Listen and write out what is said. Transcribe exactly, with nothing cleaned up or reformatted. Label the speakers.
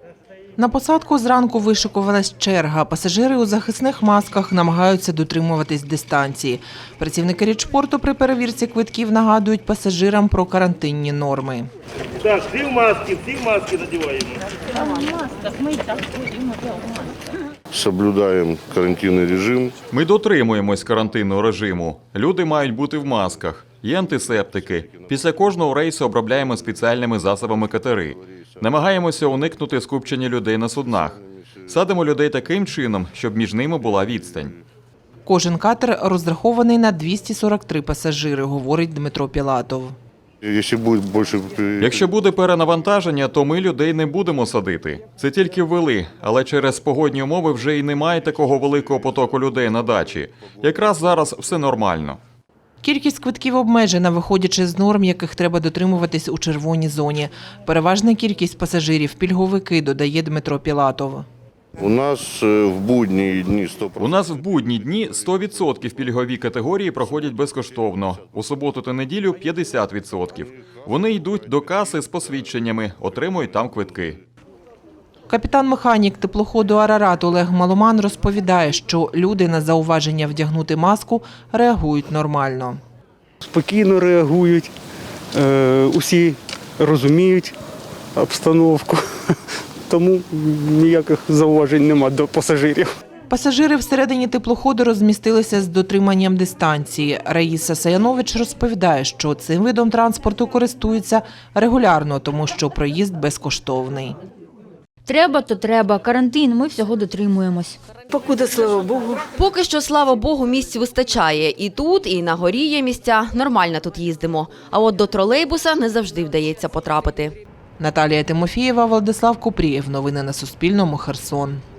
Speaker 1: На посадку зранку вишикувалась черга. Пасажири у захисних масках намагаються дотримуватись дистанції. Працівники річпорту при перевірці квитків нагадують пасажирам про карантинні норми.
Speaker 2: Так, всі в маски, всі в маски надіваємо.
Speaker 3: Соблюдаємо карантинний режим.
Speaker 4: Ми дотримуємось карантинного режиму. Люди мають бути в масках. Є антисептики. Після кожного рейсу обробляємо спеціальними засобами катери. Намагаємося уникнути скупчення людей на суднах. Садимо людей таким чином, щоб між ними була відстань.
Speaker 1: Кожен катер розрахований на двісті сорок три пасажири, говорить Дмитро Пілатов.
Speaker 3: Якщо буде більше...
Speaker 4: Якщо буде перенавантаження, то ми людей не будемо садити. Це тільки ввели, але через погодні умови вже й немає такого великого потоку людей на дачі. Якраз зараз все нормально.
Speaker 1: Кількість квитків обмежена, виходячи з норм, яких треба дотримуватись у червоній зоні. Переважна кількість пасажирів – пільговики, додає Дмитро Пілатов.
Speaker 3: У нас в будні дні сто відсотків.
Speaker 4: У нас в будні дні сто відсотків пільгові категорії проходять безкоштовно. У суботу та неділю – п'ятдесят відсотків. Вони йдуть до каси з посвідченнями, отримують там квитки.
Speaker 1: Капітан-механік теплоходу «Арарат» Олег Маломан розповідає, що люди на зауваження вдягнути маску реагують нормально.
Speaker 5: Спокійно реагують, усі розуміють обстановку, тому ніяких зауважень немає до пасажирів.
Speaker 1: Пасажири всередині теплоходу розмістилися з дотриманням дистанції. Раїса Саянович розповідає, що цим видом транспорту користуються регулярно, тому що проїзд безкоштовний.
Speaker 6: Треба, то треба. Карантин, ми всього дотримуємось.
Speaker 7: Покуди, слава Богу.
Speaker 8: Поки що, слава Богу, місць вистачає. І тут, і на горі є місця. Нормально тут їздимо. А от до тролейбуса не завжди вдається потрапити.
Speaker 1: Наталія Тимофієва, Владислав Купрієв. Новини на Суспільному. Херсон.